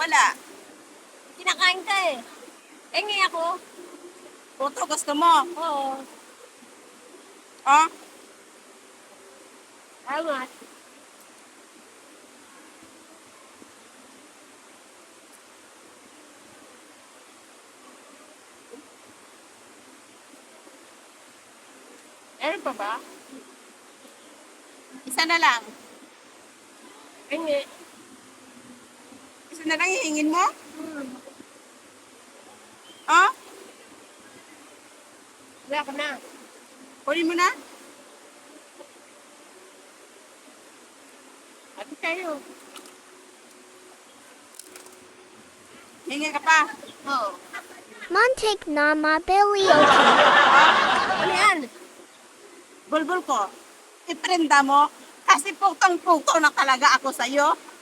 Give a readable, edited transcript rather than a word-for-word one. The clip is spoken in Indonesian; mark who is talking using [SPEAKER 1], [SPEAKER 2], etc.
[SPEAKER 1] wala.
[SPEAKER 2] Kinakain ka eh. Engi ako.
[SPEAKER 1] Puto gusto mo.
[SPEAKER 2] Oo.
[SPEAKER 1] Oh,
[SPEAKER 2] Salamat. Ano pa ba?
[SPEAKER 1] isa na lang.
[SPEAKER 2] Engi.
[SPEAKER 1] Isa na lang hihingin mo?
[SPEAKER 2] Hmm.
[SPEAKER 1] Oh,
[SPEAKER 2] Wala ka na.
[SPEAKER 1] kunin mo na.
[SPEAKER 2] Ate tayo.
[SPEAKER 1] Hingi ka pa.
[SPEAKER 2] Oo.
[SPEAKER 3] Montek Nama Billy
[SPEAKER 2] Ano yan?
[SPEAKER 1] Bulbul ko. Iprenda mo. Kasi putong-puto na talaga ako sa'yo.